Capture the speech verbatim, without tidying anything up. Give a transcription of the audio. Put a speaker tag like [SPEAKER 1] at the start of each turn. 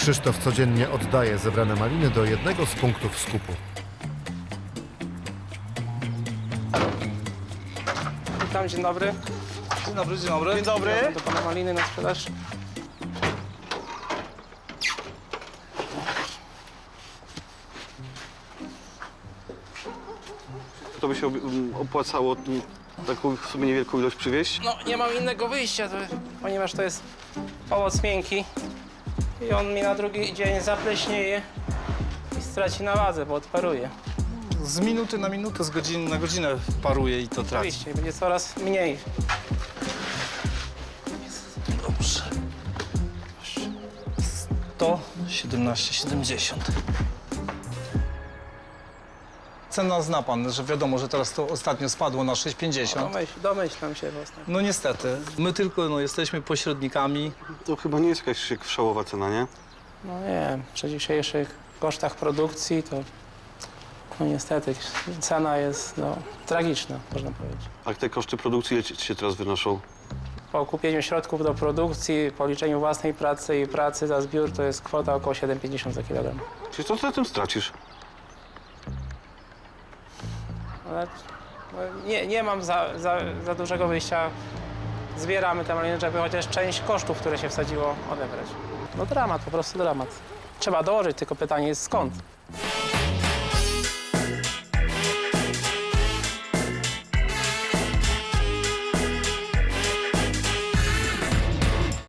[SPEAKER 1] Krzysztof codziennie oddaje zebrane maliny do jednego z punktów skupu.
[SPEAKER 2] Witam, dzień dobry.
[SPEAKER 3] Dzień dobry, dzień dobry.
[SPEAKER 2] Dzień dobry. Do pana maliny na sprzedaż.
[SPEAKER 3] To by się um, opłacało um, taką w sumie niewielką ilość przywieźć?
[SPEAKER 2] No, nie mam innego wyjścia, to, ponieważ to jest owoc miękki i on mi na drugi dzień zapleśnieje i straci na wadze, bo odparuje.
[SPEAKER 4] Z minuty na minutę, z godziny na godzinę paruje i to traci.
[SPEAKER 2] Oczywiście, będzie coraz mniej.
[SPEAKER 4] Dobrze. sto siedemnaście siedemdziesiąt. Cena zna pan, że wiadomo, że teraz to ostatnio spadło na sześć pięćdziesiąt.
[SPEAKER 2] Domyśl, domyślam się własnie.
[SPEAKER 4] No niestety, my tylko no, jesteśmy pośrednikami.
[SPEAKER 3] To chyba nie jest jakaś szałowa cena, nie?
[SPEAKER 2] No nie wiem, przy dzisiejszych kosztach produkcji to no niestety cena jest no, tragiczna, można powiedzieć.
[SPEAKER 3] A te koszty produkcji ile ci się teraz wynoszą?
[SPEAKER 2] Po kupieniu środków do produkcji, po liczeniu własnej pracy i pracy za zbiór to jest kwota około siedem pięćdziesiąt za kilogram.
[SPEAKER 3] Czyli co ty na tym stracisz?
[SPEAKER 2] Ale no, nie, nie mam za, za, za dużego wyjścia. Zbieramy te maliny, żeby chociaż część kosztów, które się wsadziło, odebrać. No dramat, po prostu dramat. Trzeba dołożyć, tylko pytanie jest skąd.